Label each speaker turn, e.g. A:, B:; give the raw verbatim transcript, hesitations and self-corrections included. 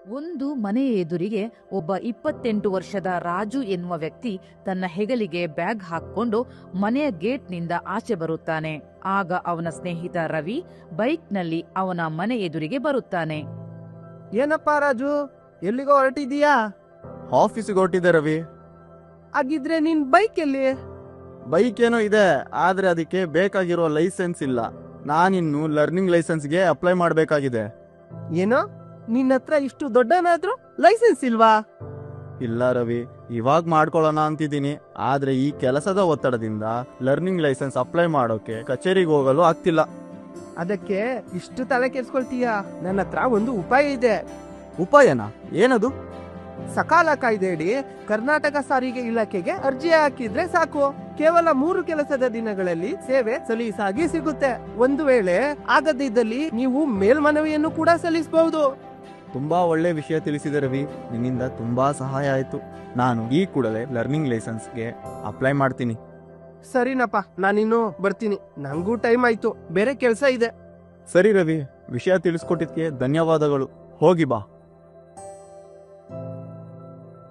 A: ಒಂದು ಮನೆಯ ಎದುರಿಗೆ ಒಬ್ಬ ಇಪ್ಪತ್ತೆಂಟು ವರ್ಷದ ರಾಜು ಎನ್ನುವ ವ್ಯಕ್ತಿ ತನ್ನ ಹೆಗಲಿಗೆ ಬ್ಯಾಗ್ ಹಾಕೊಂಡು ಮನೆಯ ಗೇಟ್ನಿಂದ ಆಚೆ ಬರುತ್ತಾನೆ. ಆಗ ಅವನ ಸ್ನೇಹಿತ ರವಿ ಬೈಕ್ನಲ್ಲಿ ಅವನ ಮನೆ ಎದುರಿಗೆ ಬರುತ್ತಾನೆ.
B: ಏನಪ್ಪಾ ರಾಜು, ಎಲ್ಲಿಗೋ ಹೊರಟಿದೀಯಾ?
C: ಆಫೀಸಿಗೆ ಹೊರಟಿದೆ ರವಿ.
B: ಹಾಗಿದ್ರೆ ನಿನ್ ಬೈಕ್ ಎಲ್ಲಿ?
C: ಬೈಕ್ ಏನೋ ಇದೆ, ಆದ್ರೆ ಅದಕ್ಕೆ ಬೇಕಾಗಿರೋ ಲೈಸೆನ್ಸ್ ಇಲ್ಲ. ನಾನಿನ್ನು ಲರ್ನಿಂಗ್ ಲೈಸೆನ್ಸ್ಗೆ ಅಪ್ಲೈ ಮಾಡಬೇಕಾಗಿದೆ.
B: ಏನೋ ನಿನ್ನ ಹತ್ರ ಇಷ್ಟು ದೊಡ್ಡನಾದ್ರೂ ಲೈಸೆನ್ಸ್ ಇಲ್ವಾ?
C: ಇಲ್ಲ ರವಿ, ಇವಾಗ ಮಾಡ್ಕೊಳ್ಳೋಣ ಅಂತಿದ್ದೀನಿ. ಆದ್ರೆ ಈ ಕೆಲಸದ ಒತ್ತಡದಿಂದ ಲರ್ನಿಂಗ್ ಲೈಸೆನ್ಸ್ ಅಪ್ಲೈ ಮಾಡೋಕೆ ಕಚೇರಿಗೆ ಹೋಗಲು ಆಗ್ತಿಲ್ಲ.
B: ಅದಕ್ಕೆ ಇಷ್ಟು ತಲೆ ಕೆಡ್ಸ್ಕೊಳ್ತೀಯ? ನನ್ನ ಹತ್ರ ಒಂದು ಉಪಾಯ ಇದೆ.
C: ಉಪಾಯನಾ? ಏನದು?
B: ಸಕಾಲ ಕಾಯ್ದೆಯಡಿ ಕರ್ನಾಟಕ ಸಾರಿಗೆ ಇಲಾಖೆಗೆ ಅರ್ಜಿ ಹಾಕಿದ್ರೆ ಸಾಕು. ಕೇವಲ ಮೂರು ಕೆಲಸದ ದಿನಗಳಲ್ಲಿ ಸೇವೆ ಸಲೀಸಾಗಿ ಸಿಗುತ್ತೆ. ಒಂದು ವೇಳೆ ಆಗದಿದ್ದಲ್ಲಿ ನೀವು ಮೇಲ್ಮನವಿಯನ್ನು ಕೂಡ ಸಲ್ಲಿಸಬಹುದು.
C: ತುಂಬಾ ಒಳ್ಳೆ ವಿಷಯ ತಿಳಿಸಿದೆ ರವಿ, ನಿನ್ನಿಂದ ತುಂಬಾ ಸಹಾಯ ಆಯ್ತು. ನಾನು ಈ ಕೂಡಲೇ ಲರ್ನಿಂಗ್ ಲೈಸೆನ್ಸ್ಗೆ ಅಪ್ಲೈ ಮಾಡ್ತೀನಿ.
B: ಸರಿನಪ್ಪ, ನಾನಿನ್ನು ಬರ್ತೀನಿ. ನಂಗೂ ಟೈಮ್ ಆಯ್ತು, ಬೇರೆ ಕೆಲಸ ಇದೆ.
C: ಸರಿ ರವಿ, ವಿಷಯ ತಿಳಿಸ್ಕೊಟ್ಟಿದ್ಕೆ ಧನ್ಯವಾದಗಳು. ಹೋಗಿ ಬಾ.